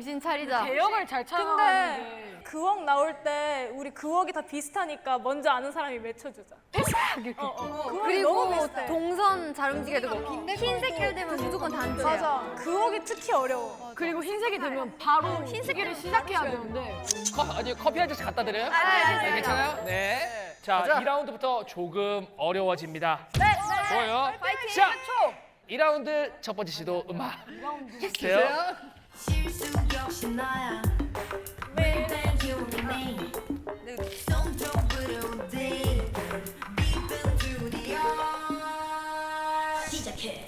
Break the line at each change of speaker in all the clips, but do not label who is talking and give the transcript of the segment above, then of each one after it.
정신 차리자.
대역을 잘
근데
찾아가는데.
그웍 나올 때 우리 그웍이 다 비슷하니까 먼저 아는 사람이 외쳐주자. 그웍이 너무
그리고
비슷해.
동선 잘 움직여야 되고 흰색깔 되면 무조건 단체야.
맞아. 그웍이 특히 어려워.
그리고 흰색이 되면 바로 흰색을 시작해야 되는데.
커피 한 잔씩 갖다 드려요?
네,
괜찮아요? 네. 자, 2라운드부터 조금 어려워집니다.
네.
좋아요. 자, 2라운드 첫 번째 시도 음악 주세요.
실수 역시 나야 매일 기운이 내 손톱으로 돼 깊은 두리야 시작해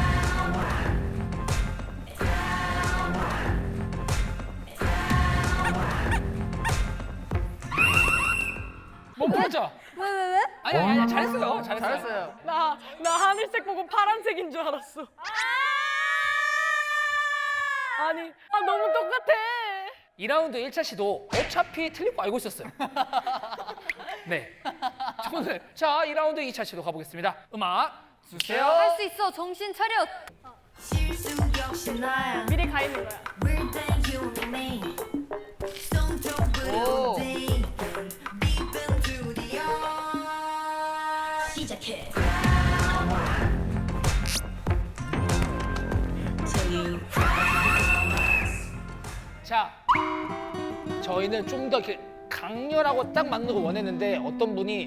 못 풀었죠?
왜?
아니, 잘했어요. 잘했어요.
나 하늘색 보고 파란색인 줄 알았어. 아니, 너무 똑같아.
2라운드 1차 시도 어차피 틀릴 거 알고 있었어요. 네. 저는 자, 2라운드 2차 시도 가보겠습니다. 음악 주세요.
할 수 있어. 정신 차려.
실수 역시 나야
미리 가 있는 거야.
매일 기운이 손톱으로 돼 깊은 두리야 시작해
자, 저희는 좀 더 이렇게 강렬하고 딱 맞는 거 원했는데 어떤 분이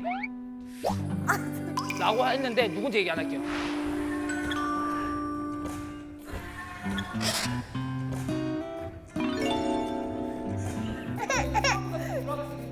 라고 했는데 누군지 얘기 안 할게요.